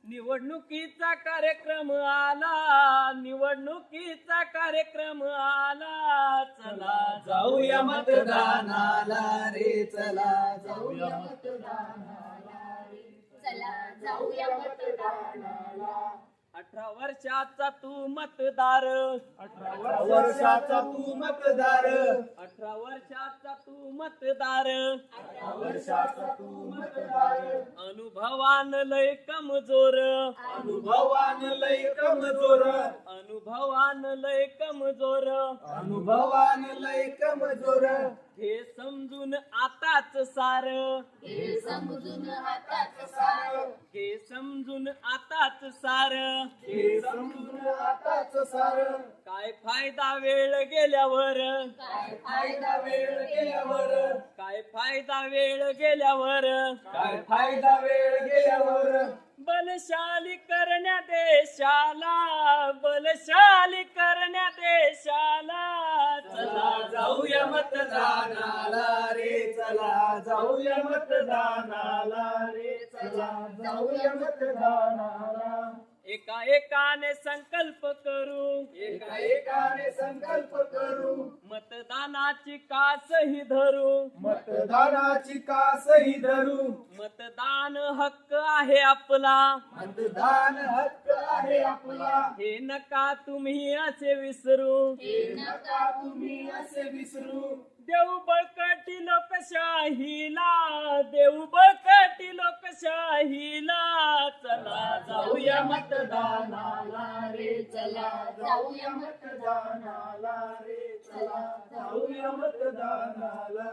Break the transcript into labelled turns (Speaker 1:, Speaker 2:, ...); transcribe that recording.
Speaker 1: निवडणुकीचा कार्यक्रम आला, निवडणुकीचा कार्यक्रम आला, चला
Speaker 2: जाऊया मतदानाला रे, चला जाऊया मतदानाला रे,
Speaker 3: चला जाऊया मतदानाला.
Speaker 1: 18 वर्षाचा तू मतदार,
Speaker 2: 18 वर्षाचा तू मतदार,
Speaker 1: 18 वर्षाचा तू मतदार,
Speaker 2: 18 वर्षाचा तू मतदार,
Speaker 1: अनुभवान लय कमजोर,
Speaker 2: अनुभवान लय कमजोर,
Speaker 1: अनुभवान लय कमजोर,
Speaker 2: अनुभवान लय कमजोर,
Speaker 1: हे समजून आताच सार,
Speaker 3: हे समजून आताच सार,
Speaker 1: हे समजून आताच सार,
Speaker 2: हे समजून आताच सार,
Speaker 1: काय फायदा वेळ गेल्यावर,
Speaker 3: काय
Speaker 2: फायदा वेळ गेल्यावर,
Speaker 1: काय फायदा वेळ गेल्यावर,
Speaker 2: काय फायदा वेळ गेल्यावर,
Speaker 1: बलशाली करण्या देशाला, बलशाली करण्या देशाला,
Speaker 2: चला जाऊया मतदानाला रे, चला जाऊया मतदानाला रे, चला जाऊया मतदानाला.
Speaker 1: एका एकाने संकल्प करू,
Speaker 2: एका एकाने संकल्प करू,
Speaker 1: मतदानाची कासही धरू,
Speaker 2: मतदानाची कासही धरू,
Speaker 1: मतदान हक्क आहे आपला,
Speaker 2: मतदान हक्क आहे आपला,
Speaker 1: हे नका तुम्ही असे विसरू,
Speaker 3: हे नका
Speaker 2: तुम्ही असे विसरू,
Speaker 1: देऊ बळकटी लोकशाहीला, देऊ बळकटी लोकशाहीला, चला जाऊया
Speaker 2: मतदानाला रे,
Speaker 3: चला जाऊया
Speaker 2: मतदानाला रे, चला जाऊया मतदानाला